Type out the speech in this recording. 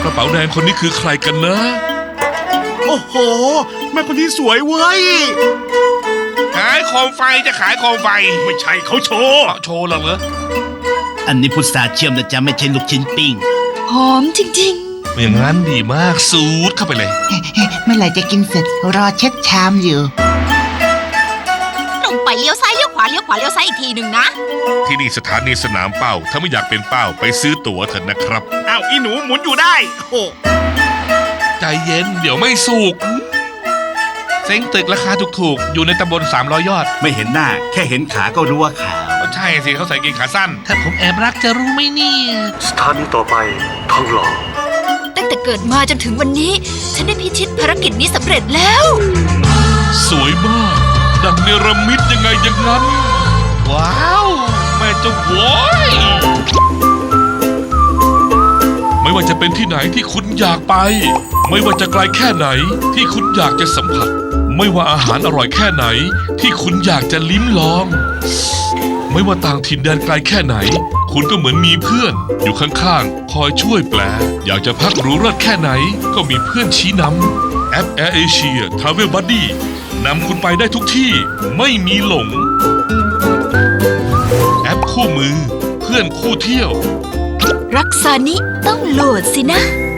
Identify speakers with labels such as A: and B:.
A: กระเป๋าแดงคนนี้คือใครกันนะ
B: โอ้โหแม่คนนี้สวยเว้ย
A: ขายโคมไฟจะขายโคมไฟ
B: ไม่ใช่เขาโชว์
A: โชว์หรอเหรอ
C: อันนี้พุทราเชื่อมนะจ๊ะไม่ใช่ลูกชิ้นปิ้ง
D: หอมจริง
A: อย่างนั้นดีมากสูดเข้าไปเลย
E: เมื่อไหร่จะกินเสร็จรอเช็ดชามอยู่
D: ๆ ลงไปเลี้ยวซ้ายเลี้ยวขวาเลี้ยวขวาเลี้ยวซ้ายอีกทีหนึ่งนะ
A: ที่นี่สถานีสนามเป้า ถ้าไม่อยากเป็นเป้าไปซื้อตั๋วเถอะนะครับ
B: อ้าวอีหนูหมุนอยู่ได้โอ้
A: ใจเย็นเดี๋ยวไม่สุกเซ้งตึกราคาถูกๆ อยู่ในตำบล300 ยอด
C: ไม่เห็นหน้าแค่เห็นขาก็รู้ว่าขาว
A: ใช่สิเขาใส่กางเกงขาสั้น
F: ถ้าผมแอบรักจะรู้ไหมเนี่ย
G: สถานีต่อไปทองหล่อ
D: ตั้งแต่เกิดมาจนถึงวันนี้ ฉันได้พิชิตภารกิจนี้สำเร็จแล้ว
A: สวยมาก ดังเนรมิตยังไงอย่างนั้น ว้าว แม่เจ้าโว้ยไม่ว่าจะเป็นที่ไหนที่คุณอยากไป ไม่ว่าจะไกลแค่ไหนที่คุณอยากจะสัมผัส ไม่ว่าอาหารอร่อยแค่ไหนที่คุณอยากจะลิ้มลอง ไม่ว่าต่างถิ่นแดนไกลแค่ไหน คุณก็เหมือนมีเพื่อนอยู่ข้างๆ คอยช่วยแปล อยากจะพักหรูเลิศแค่ไหน ก็มีเพื่อนชี้นำแอป Air Asia Travel Buddy นำคุณไปได้ทุกที่ไม่มีหลง แอปคู่มือเพื่อนคู่เที่ยว
D: รักษานิต้องโหลดสินะ